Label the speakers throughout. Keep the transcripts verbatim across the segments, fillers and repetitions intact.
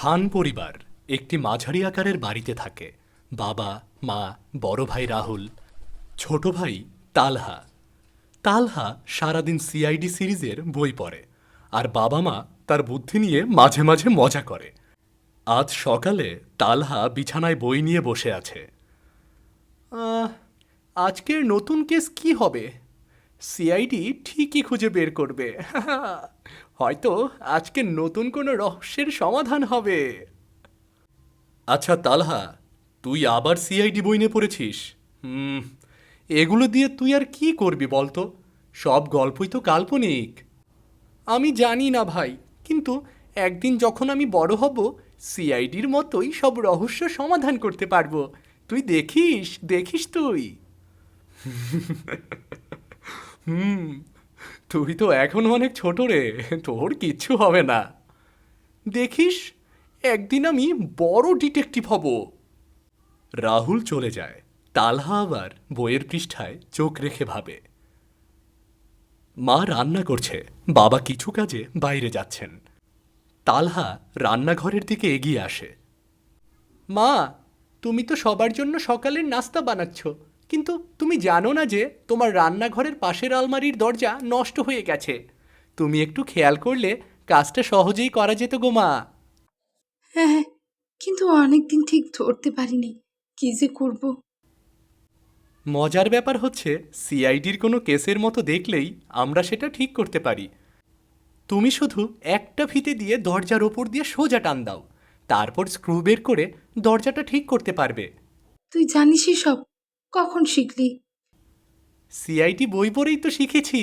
Speaker 1: খান পরিবার একটি মাঝারি আকারের বাড়িতে থাকে। বাবা, মা, বড় ভাই রাহুল, ছোট ভাই তালহা। তালহা সারাদিন সিআইডি সিরিজের বই পড়ে, আর বাবা মা তার বুদ্ধি নিয়ে মাঝে মাঝে মজা করে। আজ সকালে তালহা বিছানায় বই নিয়ে বসে আছে। আহ, আজকের নতুন কেস কি হবে? সিআইডি ঠিকই খুঁজে বের করবে। হয়তো আজকে নতুন কোনো রহস্যের সমাধান হবে। আচ্ছা তালহা, তুই আবার সিআইডি বই নিয়ে পড়েছিস? হুম, এগুলো দিয়ে তুই আর কি করবি বলতো? সব গল্পই তো কাল্পনিক। আমি জানি না ভাই, কিন্তু একদিন যখন আমি বড় হব, সিআইডির মতোই সব রহস্য সমাধান করতে পারবো। তুই দেখিস, দেখিস তুই। হুম, তুই তো এখন অনেক ছোট রে, তোর কিচ্ছু হবে না। দেখিস, একদিন আমি বড় ডিটেকটিভ হব। রাহুল চলে যায়। তালহা আবার বইয়ের পৃষ্ঠায় চোখ রেখে ভাবে। মা রান্না করছে, বাবা কিছু কাজে বাইরে যাচ্ছেন। তালহা রান্নাঘরের দিকে এগিয়ে আসে। মা, তুমি তো সবার জন্য সকালের নাস্তা বানাচ্ছ, কিন্তু তুমি জানো না যে তোমার রান্নাঘরের পাশের আলমারির দরজা নষ্ট হয়ে গেছে। তুমি একটু খেয়াল করলে কাজটা সহজেই করা যেত গো মা।
Speaker 2: হ্যাঁ হ্যাঁ, কিন্তু অনেকদিন ঠিক ধরতে পারিনি কি যে করব।
Speaker 1: মজার ব্যাপার হচ্ছে, সিআইডির কোনো কেসের মতো দেখলেই আমরা সেটা ঠিক করতে পারি। তুমি শুধু একটা ফিতে দিয়ে দরজার ওপর দিয়ে সোজা টান দাও, তারপর স্ক্রু বের করে দরজাটা ঠিক করতে পারবে।
Speaker 2: তুই জানিসই সব, কখন শিখলি?
Speaker 1: সিআইডি বই পড়েই তো শিখেছি।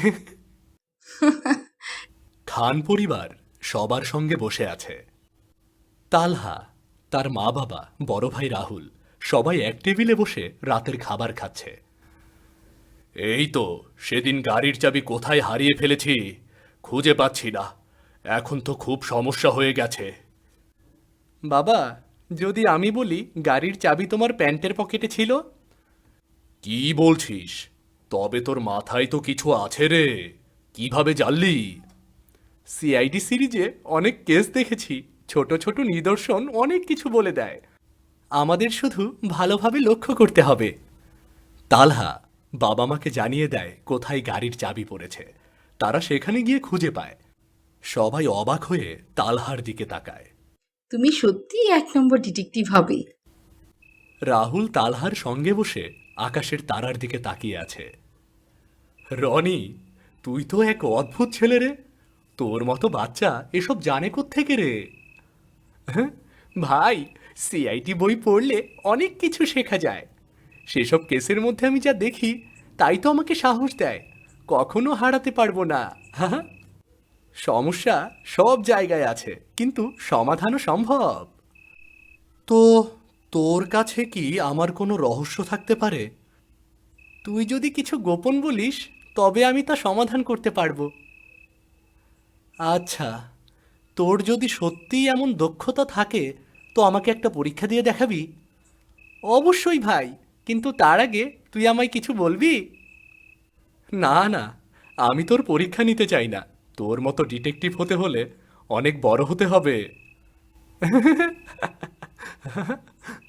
Speaker 1: খান পরিবার সবার সঙ্গে বসে আছে। তালহা, তার মা বাবা, বড় ভাই রাহুল সবাই এক টেবিলে বসে রাতের খাবার খাচ্ছে। এই তো, সেদিন গাড়ির চাবি কোথায় হারিয়ে ফেলেছি, খুঁজে পাচ্ছি না। এখন তো খুব সমস্যা হয়ে গেছে। বাবা, যদি আমি বলি গাড়ির চাবি তোমার প্যান্টের পকেটে ছিল? কি বলছিস? তবে তোর মাথায় তো কিছু আছে রে, কিভাবে জানলি? সিআইডি সিরিজে অনেক কেস দেখেছি, ছোট ছোট নিদর্শন অনেক কিছু বলে দেয়। আমাদের শুধু ভালোভাবে লক্ষ্য করতে হবে। তালহা বাবা মাকে জানিয়ে দেয় কোথায় গাড়ির চাবি পড়েছে। তারা সেখানে গিয়ে খুঁজে পায়। সবাই অবাক হয়ে তালহার দিকে তাকায়।
Speaker 2: তুমি সত্যিই এক নম্বর ডিটেকটিভ হবে।
Speaker 1: রাহুল তালহার সঙ্গে বসে আকাশের তারার দিকে তাকিয়ে আছে। রনি, তুই তো এক অদ্ভুত ছেলে রে। তোর মতো বাচ্চা এসব জানে কোত্থেকে রে? হ্যাঁ, ভাই, সিআইটি বই পড়লে অনেক কিছু শেখা যায়। সেসব কেসের মধ্যে আমি যা দেখি, তাই তো আমাকে সাহস দেয়। কখনো হারাতে পারবো না। হ্যাঁ, সমস্যা সব জায়গায় আছে, কিন্তু সমাধানও সম্ভব। তো তোর কাছে কি আমার কোনো রহস্য থাকতে পারে? তুই যদি কিছু গোপন বলিস, তবে আমি তা সমাধান করতে পারবো। আচ্ছা, তোর যদি সত্যিই এমন দক্ষতা থাকে, তো আমাকে একটা পরীক্ষা দিয়ে দেখাবি? অবশ্যই ভাই, কিন্তু তার আগে তুই আমায় কিছু বলবি? না না, আমি তোর পরীক্ষা নিতে চাই না। তোর মতো ডিটেকটিভ হতে হলে অনেক বড় হতে হবে।